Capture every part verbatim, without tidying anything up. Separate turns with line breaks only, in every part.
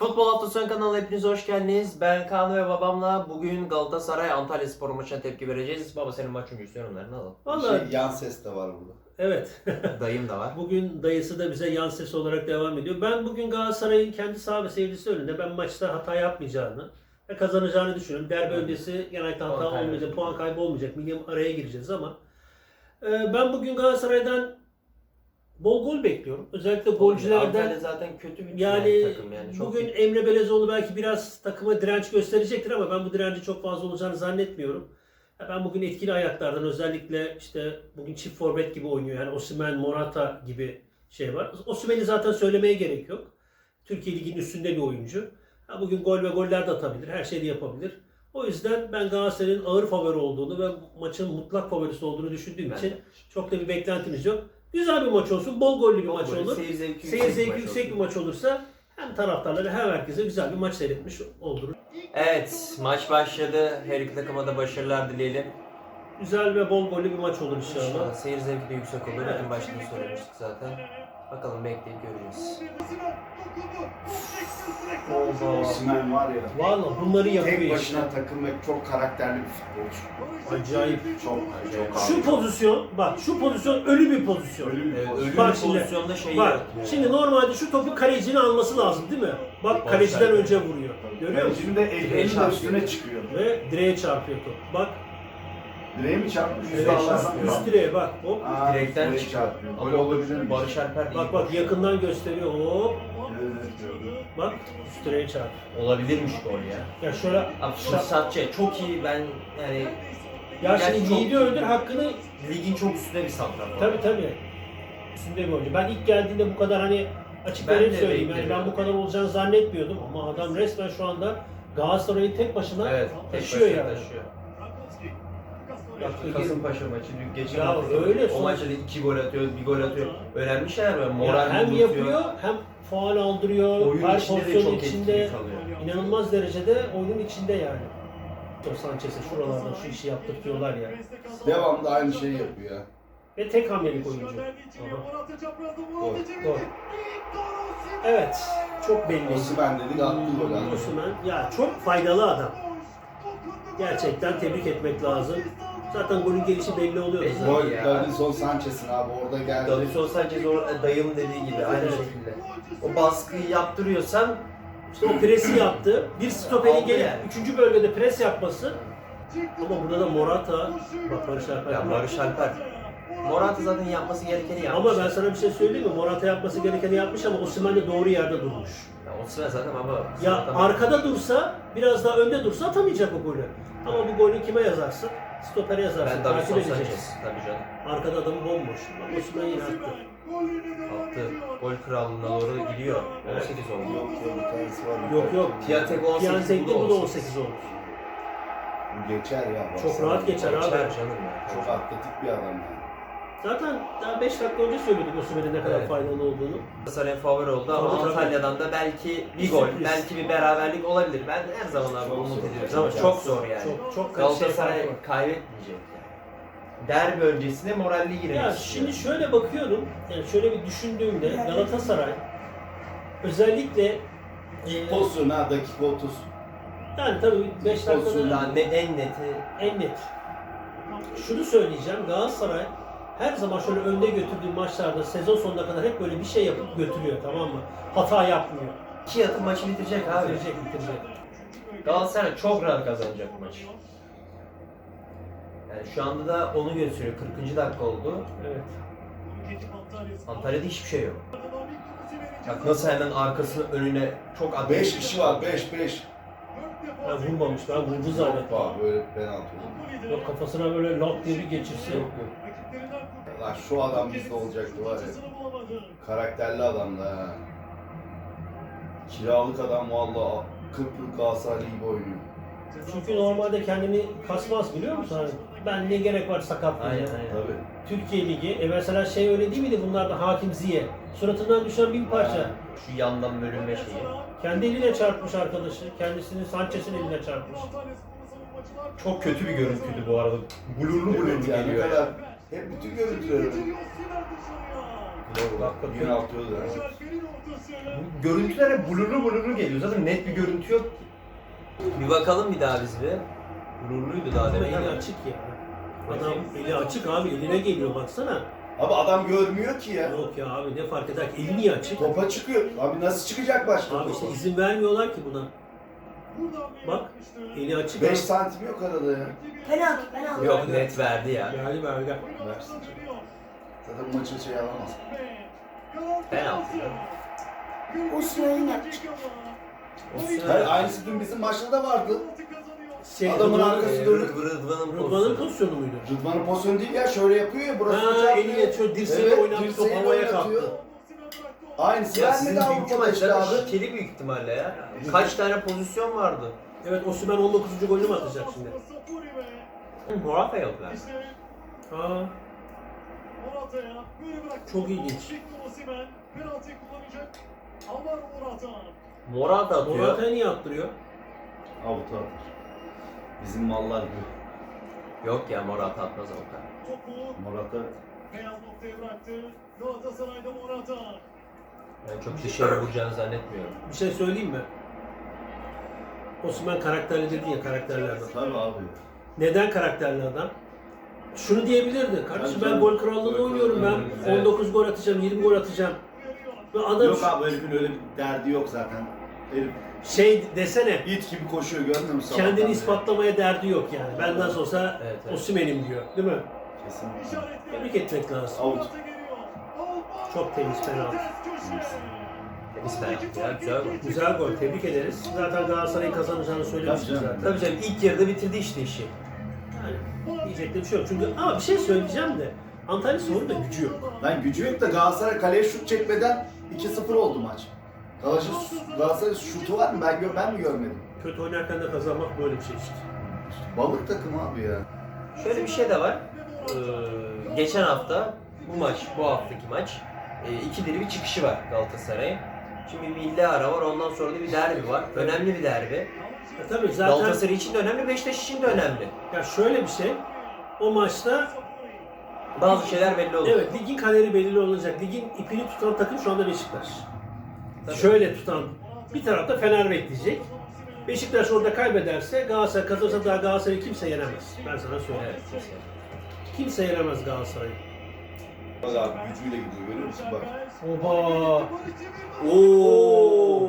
Futbol Hafta Sonu kanalına hepiniz hoş geldiniz. Ben Kaan ve babamla bugün Galatasaray Antalyaspor maçına tepki vereceğiz. Baba senin maç öncüsü yorumlarını alalım.
Vallahi
Şey, yan ses de var burada.
evet.
Dayım da var.
Bugün dayısı da bize yan ses olarak devam ediyor. Ben bugün Galatasaray'ın kendi saha ve seyircisi önünde ben maçta hata yapmayacağını ve kazanacağını düşünüyorum. Derbi öncesi genellikle hata
Puan kaybı.
olmayacak, puan kaybı olmayacak. Milli araya gireceğiz ama e, ben bugün Galatasaray'dan bol gol bekliyorum. Özellikle golcülerden.
Antalya zaten kötü bir
Yani,
takım yani. Çok
bugün
iyi.
Emre Belezoğlu belki biraz takıma direnç gösterecektir ama ben bu direnci çok fazla olacağını zannetmiyorum. Ya ben bugün etkili ayaklardan özellikle işte bugün çift forvet gibi oynuyor. Yani Osimhen, Morata gibi şey var. Osimhen'i zaten söylemeye gerek yok. Türkiye Ligi'nin üstünde bir oyuncu. Ya bugün gol ve goller de atabilir. Her şeyi de yapabilir. O yüzden ben Galatasaray'ın ağır favori olduğunu ve maçın mutlak favorisi olduğunu düşündüğüm
Ben
için
de.
çok da bir beklentimiz yok. Güzel bir maç olsun, bol gollü bir
Bol
maç
golü,
olur.
Seyir zevki
Seyir
yüksek,
zevki
bir,
yüksek
maç
bir maç olursa hem taraftarlara hem herkese güzel bir maç seyretmiş oldurur.
Evet, maç başladı. Her iki takıma da başarılar dileyelim.
Güzel ve bol gollü bir maç olur inşallah.
İnşallah seyir zevki de yüksek olur. En başta da söylemiştik zaten. Bakalım bekleyip göreceğiz.
Osimhen var ya.
Valla bunları yapıyor
Tek
işte.
başına takım ve çok karakterli bir futbolcu.
Acayip.
Çok çok
Şu
harika.
pozisyon, bak şu pozisyon ölü bir pozisyon.
Ölü bir
Evet,
pozisyon.
ölü
Bak
bir
şimdi,
pozisyonda şey
Bak
yaratıyor.
şimdi normalde şu topu kalecinin alması lazım değil mi? Bak
Barış
kaleciden
Alper.
önce vuruyor. Görüyor musun?
Şimdi de
Direğe
elinin
çarpıyor.
üstüne çıkıyor.
Ve direğe çarpıyor top. Bak
Direğe mi çarpmış?
evet,
Üstü Allah'tan
üst, üst direğe bak. Hop.
Aa,
Direkten
direğe
çıkıyor.
çarpıyor. Gol
Ama
olabilir mi?
Barış Alper iyi
Bak bak
koşuyor.
yakından gösteriyor. Hop.
Evet.
Bak üst direğe çarp.
Olabilirmiş gol ya.
Ya şöyle
Abi fırsatçı çok iyi, ben yani
ya
Yani
şimdi
çok-
yiğidi öldür hakkını
ligin çok üstünde bir santrafor.
tabii tabii. Üstünde bir oyuncu. Ben ilk geldiğinde bu kadar hani açık
Ben
ve net
de
söyleyeyim yani ben
beklemiyordum.
bu kadar olacağını zannetmiyordum ama adam resmen şu anda Galatasaray'ı tek başına
Evet, tek
taşıyor
başına
yani.
taşıyor.
Bak,
Kasımpaşa maçı dün geçen
Ya
hafta
öyle
o
son-
maçta da iki gol atıyor, bir gol atıyor. Önemli şeyler var.
Ya
Moral
hem
bozuluyor.
yapıyor hem faul aldırıyor.
Oyun
her
içinde de
pozisyonun
çok
içinde
etkili kalıyor.
inanılmaz derecede oyunun içinde yani. Sanchez'e şuralardan şu işi yaptırtıyorlar ya.
Devamlı aynı şeyi yapıyor ya.
Ve tek hamlelik oyuncu. Aha. Gol. Evet. Çok belli.
Osimhen dedik attı gol attı.
Osimhen ya çok faydalı adam. Gerçekten tebrik etmek lazım. Zaten golün gelişi belli oluyor
Belli.
zaten.
Gol
Ya.
Davinson Sanchez'in abi orada geldi.
Davison Sanchez o dayımın dediği gibi aynı
Evet.
şekilde. O baskıyı yaptırıyorsan
İşte o presi yaptı. Bir stoperin
Aldı
gelip
yani.
üçüncü bölgede pres yapması. Ama burada da Morata, bak Barış Alper.
ya Barış Alper. Morata zaten yapması gerekeni yapmış.
Ama ben sana bir şey söyleyeyim mi? Morata yapması gerekeni yapmış ama Osimhen de doğru yerde durmuş.
Ya Osimhen zaten ama
Ya
tamam.
arkada dursa, biraz daha önde dursa atamayacak o golü. Ama bu golü kime yazarsın? Stopere yazarsın.
Ben
Takip
Davison
edeceksin.
Sanchez tabii canım.
Arkada adamı bomboş. Bak Osimhen yine attı.
Attı. Gol krallığına doğru gidiyor. on sekiz oldu.
Yok yok bir tanesi var.
Yok yok.
Piatek on sekiz,
Piyantek'te
bu da
bu da
on
on
sekiz.
sekiz olur.
Bu geçer ya.
Çok
baksana.
rahat geçer abi.
Geçer canım ya.
Çok atletik bir adam yani.
Zaten daha beş dakika önce söyledik Osimhen'in ne kadar
Evet.
faydalı olduğunu.
Galatasaray'ın favori oldu ama
Tabii, tabii.
Antalya'dan da belki bir
Bir
gol,
sürpriz.
belki bir beraberlik olabilir. Ben her zaman abi
Çok
umut
zor.
ediyoruz
Çok
ama
zor.
çok zor yani.
Çok çok
Galatasaray
şey farkı var.
kaybetmeyecek yani. Derbi öncesinde moralli girmek
Ya
istiyor.
şimdi şöyle bakıyorum, yani şöyle bir düşündüğümde Galatasaray özellikle e,
Pozisyon ha dakika otuz.
yani tabii beş
Pozisyon
dakikada
Yani ne, en neti
en net. Şunu söyleyeceğim, Galatasaray her zaman şöyle önde götürdüğü maçlarda sezon sonuna kadar hep böyle bir şey yapıp götürüyor, tamam mı? Hata yapmıyor.
iki atı maçı bitirecek abi.
Bitirecek, bitirecek.
Galatasaray çok rahat kazanacak bu maçı. Yani şu anda da onu gösteriyor. kırkıncı dakika oldu.
Evet.
Antalya'da hiçbir şey yok. Bak nasıl hemen arkasını önüne çok atletik.
beş kişi var beş beş.
Ben vurmamış, ben vurdu zannettim.
Hoppa böyle penaltı oldu.
Yok kafasına böyle lap diye bir geçirse.
Yok yok. Lan şu adam bizde olacaktı var ya. Karakterli adam da ha. Kiralık adam valla Kıbrıs Galatasaray gibi oynuyor.
Çünkü normalde kendini kasmaz biliyor musun? Hani ben ne gerek var sakatlığa?
Aynen aynen.
Tabii.
Türkiye Ligi, e mesela şey öyle değil miydi bunlarda Hakim Ziye? Suratından düşen bin parça.
Şu yandan bölünme şeyi.
Kendi eline çarpmış arkadaşı, kendisini Sanchez'in eline çarpmış.
Çok kötü bir görüntüydü bu arada. Blurlu
Evet
blurlu
yani ne
geliyor.
kadar hep bütün görüntüleri.
Bak, bakıyorum.
Gün altıyordu.
Bu görüntüler hep blurlu blurlu geliyor. Zaten net bir görüntü yok ki. Bir bakalım bir daha biz bir. Blurluydu daha
Ama
demin
eli
ama.
açık ya. Adam eli açık abi, eline geliyor baksana.
Abi adam görmüyor ki ya.
Yok ya abi, ne fark eder ki, eli niye açık?
Topa çıkıyor. Abi nasıl çıkacak başka
Abi işte
topa?
izin vermiyorlar ki buna. Bak, eli açık.
beş santim yok arada ya.
Penaltı, penaltı.
Yok net verdi ya.
Verdi verdi.
Versin. Zaten maçın şey alamaz.
Penaltı ya.
Osimhen'in yapacak.
Hayır, aynısı dün bizim maçta da vardı.
Şey,
Adamın
Rıdvan-
arkası
Ee,
dönük.
Rıdvan'ın
Rıdvan'ın
pozisyonu.
pozisyonu muydu?
Rıdvan'ın pozisyonu değil ya, şöyle yapıyor ya, burası
Ha,
çarpıyor.
eliyle şöyle dirseğiyle
Evet,
oynattı, top
dirseğiyle
havaya
oynatıyor.
kalktı.
Aynısı
Ya sizin
vermedi
büyük
Avrupa'da işte
maçlarda
abi.
şikeli büyük ihtimalle ya. Kaç tane pozisyon vardı?
Evet, Osimhen on dokuzuncu golünü mü atacak şimdi?
Morata yok lan.
Aa, çok ilginç.
Morata atıyor.
Morata'ya niye attırıyor?
Avuta atar. Bizim mallar gibi.
Yok ya Morata atmaz avuta.
Morata
Beyaz noktaya bıraktı. Galatasaray'da Morata.
Ben çok dışarı vuracağını zannetmiyorum.
Bir şey söyleyeyim mi? Osimhen karakterli dedin ya, karakterli adam.
tabii abi.
Neden karakterli adam? Şunu diyebilirdi. Kardeşim
Tabii
ben
canım.
gol krallığında
Gol
oynuyorum.
krallığında,
Ben
evet.
on dokuz gol atacağım, yirmi gol atacağım. Ve adam
Yok abi, herifin öyle bir derdi yok zaten. Herif
şey desene,
it gibi koşuyor, görmüyor musun?
kendini
sabahtan beri?
ispatlamaya derdi yok yani. Ben nasıl olsa
Evet, evet.
Osimhen'im diyor. Değil mi?
Kesinlikle.
Tebrik etmek lazım.
Out.
Çok temiz penaltı.
Temiz penaltı ya, güzel gol.
Güzel gol. Tebrik ederiz. Zaten Galatasaray'ın kazanacağını söylemiştik
Tabii canım.
zaten.
Tabii canım ilk yarıda bitirdi işte işi.
Yani diyecek de bir şey yok. Çünkü ama bir şey söyleyeceğim de Antalya Spor'un da gücü yok.
Lan gücü yok da Galatasaray kaleye şut çekmeden iki sıfır oldu maç. Galatasaray, Galatasaray şutu var mı? Ben, gör, ben mi görmedim?
Kötü oynarken de kazanmak böyle bir şey işte.
Balık takım abi ya.
Şöyle bir şey de var. Ee, geçen hafta bu maç, bu haftaki maç e, ikidir bir çıkışı var Galatasaray'ın. Şimdi bir milli ara var, ondan sonra da bir derbi var. Önemli bir derbi.
E tabii zaten
Galatasaray için de önemli, Beşiktaş için de önemli.
ya şöyle bir şey. O maçta
Bazı şeyler belli olur.
evet, ligin kaderi belirli olacak. Ligin ipini tutan takım şu anda Beşiktaş.
Tabii.
Şöyle tutan bir tarafta Fener bekleyecek. Beşiktaş orada kaybederse, Galatasaray kazanırsa daha Galatasaray'ı kimse yenemez. Ben sana söyleyeyim.
Evet, kesin.
Kimse yenemez Galatasaray'ı.
Bak abi gücüyle gidiyor, görüyor musun bak.
Oha! Oo!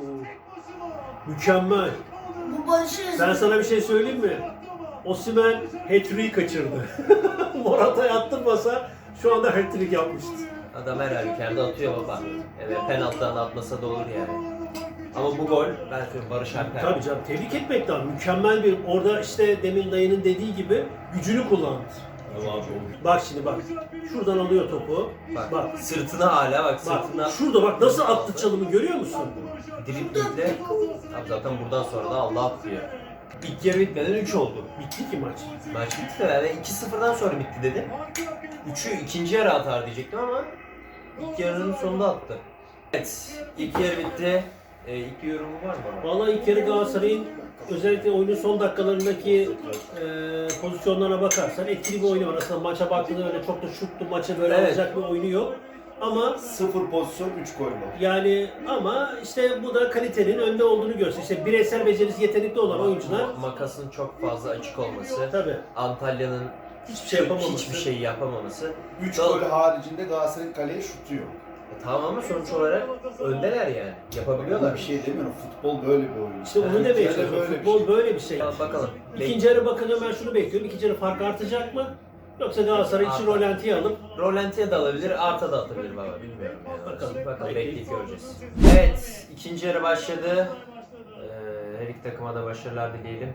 Mükemmel.
Bu Barış'ı
Ben sana bir şey söyleyeyim mi? Osimhen hat-trick'i kaçırdı. Morata'ya attırmasa şu anda hat-trick yapmıştı.
Adam her halükarda atıyor baba. Evet, penaltıdan atmasa da olur yani. Ama bu gol, ben söyleyeyim Barış Alper.
Tabii canım, tebrik etmek lazım. Mükemmel bir, orada işte demin dayının dediği gibi gücünü kullandı.
Abi abi.
Bak şimdi bak. Şuradan alıyor topu.
Bak,
Bak.
sırtına hala bak,
Bak
sırtına
şurada bak nasıl attı çalımı, görüyor musun?
driblingle. Abi zaten buradan sonra da Allah atlıyor. İlk yarı bitmeden üç oldu.
Bitti ki maç.
Maç bitti de yani iki sıfırdan sonra bitti dedim. üçü ikinci yarı atar diyecektim ama ilk yarının sonunda attı. Evet, ilk yarı bitti. Ee, ilk yorumu var mı baba?
Vallahi ilk yarı Galatasaray'ın özellikle oyunun son dakikalarındaki e, pozisyonlarına bakarsan etkili bir oyunu var. Aslında maça baktığında öyle çok da şutlu maçı böyle
Evet.
alacak bir oyunu yok. Ama
Sıfır pozisyon, üç gol var.
yani ama işte bu da kalitenin önde olduğunu gösteriyor. İşte bireysel becerisi yetenekli olan oyuncular
Ma- makasın çok fazla açık olması,
tabii
Antalya'nın
hiçbir şey yapamaması.
hiçbir şey yapamaması.
üç
Gal-
gol haricinde Galatasaray'ın kaleye şutu yok.
E, tamam ama sonuç olarak öndeler yani. Yapabiliyorlar.
Ona bir şey demiyorum. Futbol böyle bir oyun.
İşte onu
Yani
demeye
Türkiye'de
çalışıyorum.
böyle bir
Futbol
şey.
böyle bir şey.
Ya bakalım.
İkinci yarı bakınca ben şunu bekliyorum. İkinci yarı fark artacak mı? Yoksa Galatasaray için
Artar.
rolantiye alıp
Rolantiye de alabilir, arta da atabilir baba. Bilmiyorum yani.
Bakalım.
Bakalım,
Peki.
bekleyip göreceğiz. Evet, ikinci yarı başladı. Ee, her iki takıma da başarılar dileyelim.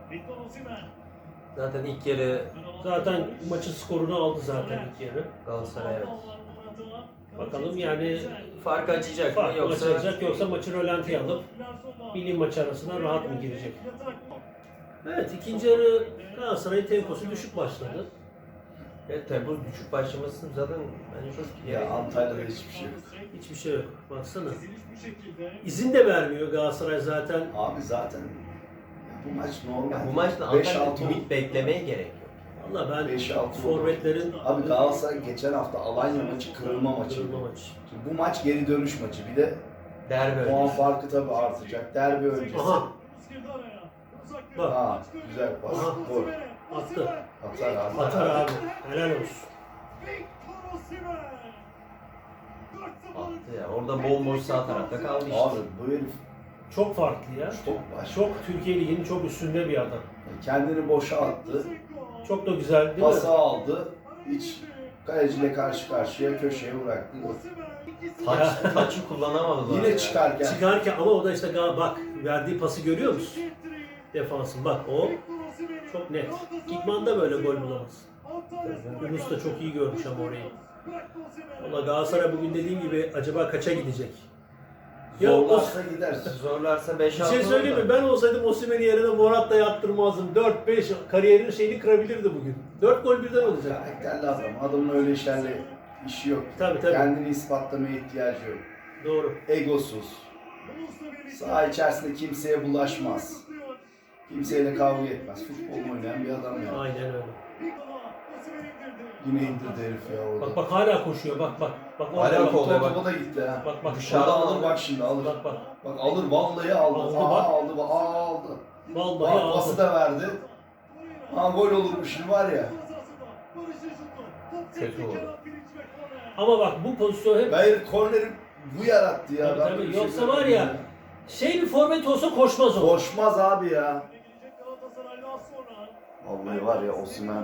Zaten ilk yarı
zaten maçın skorunu aldı zaten ilk yarı.
Galatasaray evet.
Bakalım yani
Farkı açacak mı
fark
yoksa
açılacak yoksa maçı rolantiye alıp milli maç arasına rahat mı girecek? Evet, ikinci yarı Galatasaray'ın temposu düşük başladı.
evet, Temmuz düşük başlaması zaten bence çok
Ya
yani
Antalya'da hiçbir şey yok.
Hiçbir şey yok. Baksana. İzin de vermiyor Galatasaray zaten.
Abi zaten ya bu maç normal.
ya bu maçta
beş
Antalya'da
altı
ümit beklemeye gerek yok.
Valla ben
beş altı
forvetlerin
Abi Galatasaray geçen hafta Alanya maçı kırılma maçı.
kırılma maçı.
Şimdi bu maç geri dönüş maçı. Bir de
Derbi
puan
öncesi.
farkı tabii artacak. Derbi öncesi.
Aha.
Girdi araya. Uzak bir
Bak.
Ha, güzel pas.
Aha.
Gol.
Attı.
Atar abi.
Atar abi. Helal olsun.
Victor Osimhen. dört sıfır.
Attı ya. Orada bomboş sağ tarafta kaldı işte.
Abi bu herif
Çok farklı ya.
çok baş.
Çok Türkiye Ligi'nin çok üstünde bir adam.
Kendini boşa attı.
Çok da güzel değil
Pası
mi?
aldı. Hiç kaleciyle karşı karşıya köşeye bıraktı.
Taç, taçı kullanamadılar.
Yine
ya.
çıkarken
Çıkarken ama o da işte gal- bak verdiği pası görüyor musun? Defansın bak o çok net. İkman'da böyle gol bulamaz. Yunus da çok iyi görmüş ama orayı. Valla Galatasaray bugün dediğim gibi acaba kaça gidecek? Ya o,
zorlarsa gider.
Zorlarsa beş
bir
altı
şey söyleyeyim mi? Ben olsaydım Osimhen'i yerine Morat'la yaptırmazdım. dört beş kariyerinin şeyini kırabilirdi bugün. dört gol birden olacak.
Karakterli adam. Adamın öyle işlerle işi yok.
Tabii tabii.
Kendini ispatlamaya ihtiyacı yok.
Doğru.
Egosuz. Saha içerisinde kimseye bulaşmaz. Kimseyle kavga etmez. Futbol oynayan bir adam yani.
Aynen öyle.
Yine indirdi herif ya orada.
Bak bak hala koşuyor bak bak. Bak
Hala
orada bak.
kovalıyor.
Topa topa da gitti ha.
Bak bak.
Dışarıda alır bak şimdi alır.
Bak bak.
Bak alır vallahi aldı.
Aldı,
Aa,
bak.
aldı. Aa, aldı.
Vallahi
Bak pası
aldı.
da verdi. Ha gol olurmuş şimdi var ya.
Kötü oldu.
Ama bak bu pozisyon hep
Hayır korneri bu yarattı ya.
Tabii,
Ben
tabii.
böyle bir şey
Yoksa var
görmedim
ya, şey bir forvet olsa koşmaz o.
Koşmaz abi ya. Vallahi var ya Osimhen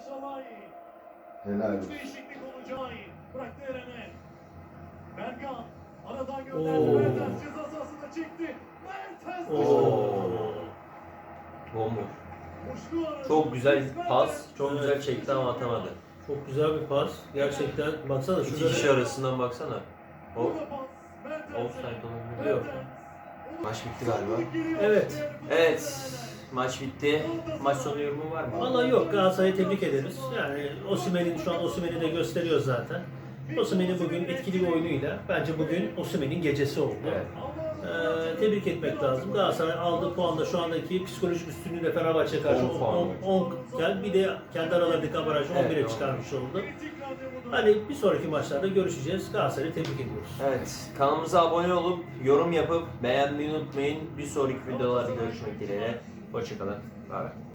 helal olsun.
Değişiklik olacak. Bıraktı Eren'e. Berkan aradan
Oo.
gönderdi. Mertens ceza sahasına çekti. Mertens
Oo.
Bomboş.
Boşluğu aradı.
Çok güzel
Mertens.
pas. Çok güzel çekti ama atamadı.
Çok güzel bir pas. Gerçekten baksana
İki
şurada.
kişi arasından baksana. O
Burada pas. Mertens'e.
offside olabilir.
Yok.
Maç bitti galiba.
Evet.
Evet. Maç bitti. Maç sonu yorumu var mı?
Vallahi yok, Galatasaray'ı tebrik ederiz. Yani Osimhen'in şu an Osimhen'i de gösteriyor zaten. Osimhen'in bugün etkili bir oyunuyla bence bugün Osimhen'in gecesi oldu.
Evet.
Ee, tebrik etmek lazım. Galatasaray aldığı puanla şu andaki psikolojik üstünlüğüyle Fenerbahçe karşı
on puan.
on gel bir de kendi aralarındaki avarajı on bire
Evet,
çıkarmış oldu. Hani bir sonraki maçlarda görüşeceğiz. Galatasaray'ı tebrik ediyoruz.
Evet. Kanalımıza abone olup yorum yapıp beğenmeyi unutmayın. Bir sonraki videolarda görüşmek dileğiyle. Hoşçakalın. Bye.